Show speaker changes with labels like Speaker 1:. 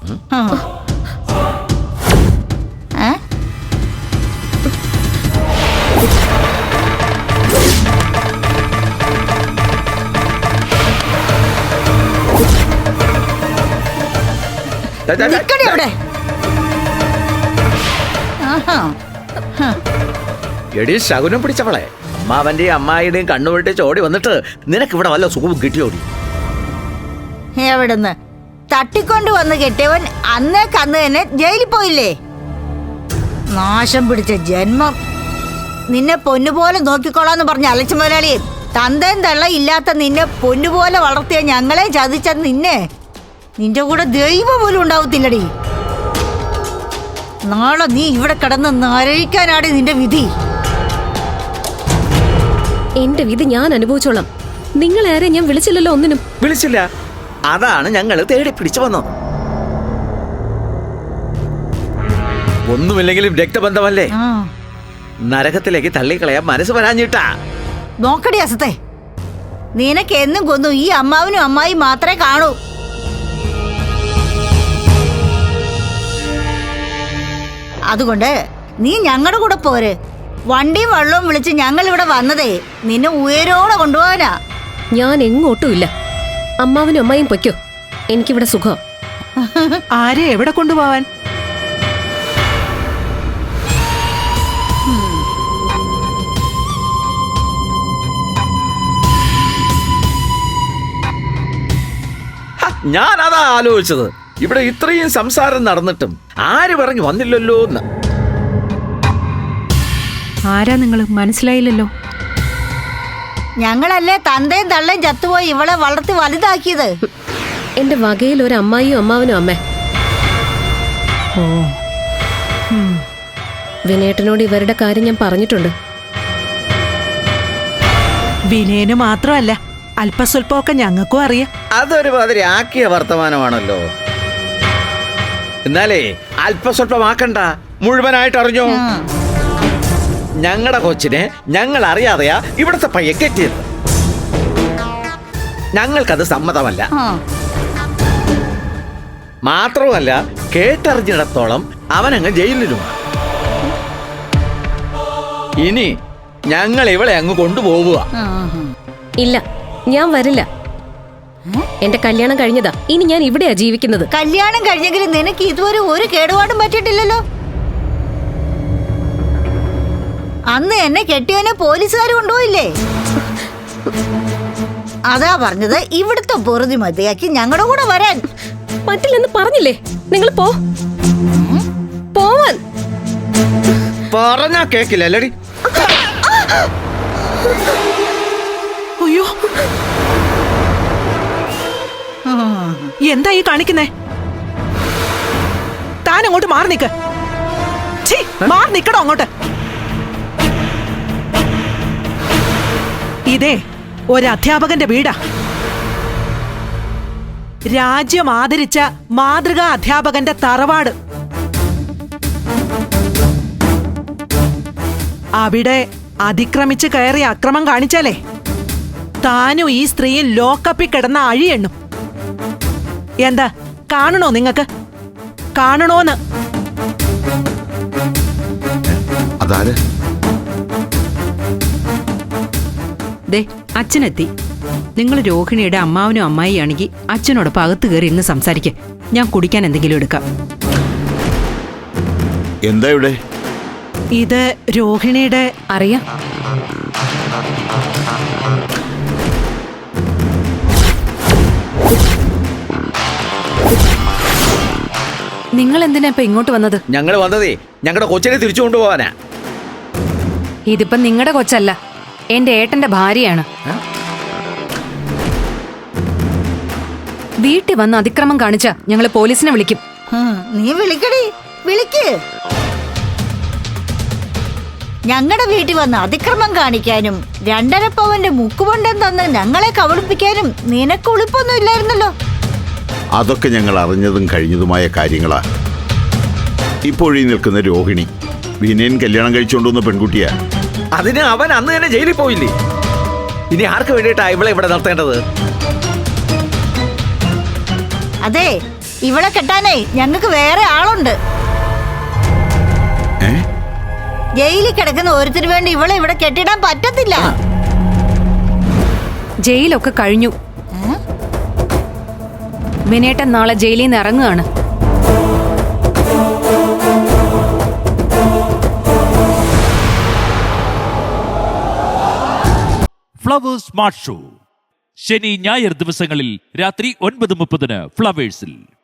Speaker 1: എടി ശകുനം പിടിച്ചവളെ, അമ്മാവന്റെയും അമ്മായിയുടെയും കണ്ണുവിട്ട് ചോടി വന്നിട്ട് നിനക്ക് ഇവിടെ വല്ല സുഖവും കിട്ടിയോടി?
Speaker 2: എവിടുന്ന് തട്ടിക്കൊണ്ട് വന്ന് കെട്ടിയവൻ അന്നേക്കന്ന് തന്നെ ജയിലിൽ പോയില്ലേ? നാശം പിടിച്ച ജന്മം. നിന്നെ പൊന്നുപോലെ നോക്കിക്കോളാന്ന് പറഞ്ഞ അലച്ചു മുതലാളി, തന്തയും തള്ള ഇല്ലാത്ത നിന്നെ പൊന്നുപോലെ വളർത്തിയ ഞങ്ങളെ ചതിച്ച നിന്റെ കൂടെ ദൈവം പോലും ഉണ്ടാവത്തില്ലടി. നാളെ നീ ഇവിടെ കിടന്ന് നരയിക്കാനാണ് നിന്റെ വിധി.
Speaker 3: എന്റെ വിധി ഞാൻ അനുഭവിച്ചോളാം. നിങ്ങളാരെ ഞാൻ വിളിച്ചില്ലല്ലോ, ഒന്നിനും
Speaker 1: വിളിച്ചില്ല. അതാണ് ഞങ്ങൾ തേടി പിടിച്ചു വന്നത്. ഒന്നുമില്ലെങ്കിലും രക്തബന്ധമല്ലേ, നരകത്തിലേക്ക് തള്ളിക്കളയാൻ മനസ്സ് വരാഞ്ഞിട്ടാ.
Speaker 2: നോക്കടി അസത്തെ, നിനക്ക് എന്നും കൊന്നു ഈ അമ്മാവനും അമ്മായി മാത്രമേ കാണൂ. അതുകൊണ്ട് നീ ഞങ്ങളുടെ കൂടെ പോര്. വണ്ടിയും വെള്ളവും വിളിച്ച് ഞങ്ങൾ ഇവിടെ വന്നതേ നിന്നെ ഉയരോടെ കൊണ്ടുപോകാനാ.
Speaker 3: ഞാൻ എങ്ങോട്ടും ഇല്ല. അമ്മാവനും അമ്മായും പൊയ്ക്കോ, എനിക്കിവിടെ സുഖം.
Speaker 4: ആരെ എവിടെ കൊണ്ടുപോവാൻ?
Speaker 1: ഞാൻ അതാ ആലോചിച്ചത്. ഇവിടെ ഇത്രയും സംസാരം നടന്നിട്ടും ആര് പറഞ്ഞു വന്നില്ലല്ലോ എന്ന്.
Speaker 4: ആരാ നിങ്ങൾ? മനസ്സിലായില്ലല്ലോ.
Speaker 2: ഞങ്ങളല്ലേ തന്തയും തള്ളയും ചത്തുപോയി ഇവളെ വളർത്തി വലുതാക്കിയത്.
Speaker 3: എന്റെ വകയിൽ ഒരു അമ്മായിയും അമ്മാവനും അമ്മേ.
Speaker 4: ഓ,
Speaker 3: വിനേട്ടനോട് ഇവരുടെ കാര്യം ഞാൻ പറഞ്ഞിട്ടുണ്ട്.
Speaker 4: വിനയന് മാത്രമല്ല, അല്പസ്വല്പമൊക്കെ ഞങ്ങൾക്കും അറിയാം.
Speaker 1: അതൊരു മാതിരി ആക്കിയ വർത്തമാനമാണല്ലോ. എന്നാലേ അല്പസ്വല്പമാക്കണ്ട, മുഴുവനായിട്ട് അറിഞ്ഞോ. ഞങ്ങളുടെ കൊച്ചിനെ ഞങ്ങൾ അറിയാതെയാ ഇവിടുത്തെ പയ്യെ കെട്ടിയത്. ഞങ്ങൾക്കത് സമ്മതമല്ല. മാത്രമല്ല കേട്ടറിഞ്ഞിടത്തോളം അവനങ്ങ് ജയിലിലും. ഇനി ഞങ്ങൾ ഇവളെ അങ്ങ് കൊണ്ടുപോവുക.
Speaker 3: ഇല്ല, ഞാൻ വരില്ല. എന്റെ കല്യാണം കഴിഞ്ഞതാ. ഇനി ഞാൻ ഇവിടെയാ ജീവിക്കുന്നത്.
Speaker 2: കല്യാണം കഴിഞ്ഞെങ്കിലും നിനക്ക് ഇതുവരെ ഒരു കേടുപാടും പറ്റിയിട്ടില്ലല്ലോ. അന്ന് എന്നെ കെട്ടിയവനെ പോലീസുകാർ കൊണ്ടുപോയില്ലേ? അതാ പറഞ്ഞത്, ഇവിടുത്തെ പൊറുതി മതിയാക്കി ഞങ്ങളുടെ കൂടെ വരാൻ.
Speaker 3: പറ്റില്ലെന്ന് പറഞ്ഞില്ലേ? നിങ്ങൾ പോവാൻ
Speaker 1: പറഞ്ഞാ കേക്കില്ലടി.
Speaker 4: അയ്യോ, എന്താ ഈ കാണിക്കുന്നേ? താൻ അങ്ങോട്ട് മാറി നിക്ക്. മാറി നിക്കടോ അങ്ങോട്ട്. ഇതേ ഒരധ്യാപകന്റെ വീടാ. രാജ്യം ആദരിച്ച മാതൃകാ അധ്യാപകന്റെ തറവാട്. അവിടെ അതിക്രമിച്ച് കയറി അക്രമം കാണിച്ചാലേ താനും ഈ സ്ത്രീയും ലോക്കപ്പിൽ കിടന്ന അഴിയെണ്ണും. എന്താ കാണണോ? നിങ്ങക്ക് കാണണോന്ന്?
Speaker 5: അതാര്?
Speaker 6: ദേ, അച്ഛനെത്തി. നിങ്ങൾ രോഹിണിയുടെ അമ്മാവനും അമ്മായിയാണെങ്കിൽ അച്ഛനോടൊപ്പം അകത്ത് കയറി ഇന്ന് സംസാരിക്കേ. ഞാൻ കുടിക്കാൻ എന്തെങ്കിലും എടുക്കാം.
Speaker 5: എന്താ ഇവിടെ?
Speaker 4: ഇത് രോഹിണിയുടെ.
Speaker 6: അറിയാം.
Speaker 7: നിങ്ങൾ എന്തിനാ ഇപ്പൊ ഇങ്ങോട്ട് വന്നത്?
Speaker 1: ഞങ്ങൾ വന്നതേ ഞങ്ങളുടെ കൊച്ചിനെ തിരിച്ചു കൊണ്ടുപോവാനാ.
Speaker 7: ഇതിപ്പോ നിങ്ങളുടെ കൊച്ചല്ല, എന്റെ ഏട്ടന്റെ ഭാര്യയാണ്. വീട്ടിൽ വന്ന് അതിക്രമം കാണിച്ച ഞങ്ങള് പോലീസിനെ വിളിക്കും.
Speaker 2: നീ വിളിക്കടി, വിളിക്ക്. ഞങ്ങളുടെ വീട്ടിൽ വന്ന് അതിക്രമം കാണിക്കാനും 2.5 പവന്റെ മുക്കുകൊണ്ടം തന്ന് ഞങ്ങളെ കബളിപ്പിക്കാനും നിനക്ക് ഉളിപ്പൊന്നും ഇല്ലായിരുന്നല്ലോ.
Speaker 5: അതൊക്കെ ഞങ്ങൾ അറിഞ്ഞതും കഴിഞ്ഞതുമായ കാര്യങ്ങളാ. ഇപ്പോഴീ നിൽക്കുന്ന രോഹിണി വിനയൻ കല്യാണം കഴിച്ചുകൊണ്ടുവന്ന പെൺകുട്ടിയാ.
Speaker 1: അതിന് അവൻ അന്ന് തന്നെ ജയിലിൽ പോയില്ലേ? ഇനി ആർക്ക് വേണ്ടിയിട്ടാ ഇവളെ ഇവിടെ നിർത്തേണ്ടത്?
Speaker 2: അതെ, ഇവളെ കെട്ടാനേ ഞങ്ങൾക്ക് വേറെ ആളുണ്ട്.
Speaker 5: ഏ?
Speaker 2: ജയിലിൽ കിടക്കുന്ന ഒരുത്തിന് വേണ്ടി ഇവളെ ഇവിടെ കെട്ടിടാൻ പറ്റത്തില്ല.
Speaker 7: ജയിലൊക്കെ കഴിഞ്ഞു. വിനേട്ടൻ നാളെ ജയിലിൽ നിന്ന് ഇറങ്ങുകയാണ്.
Speaker 8: ഫ്ലവേഴ്സ് സ്മാർട്ട് ഷോ ശനി ഞായർ ദിവസങ്ങളിൽ രാത്രി 9:30 ഫ്ലവേഴ്സിൽ.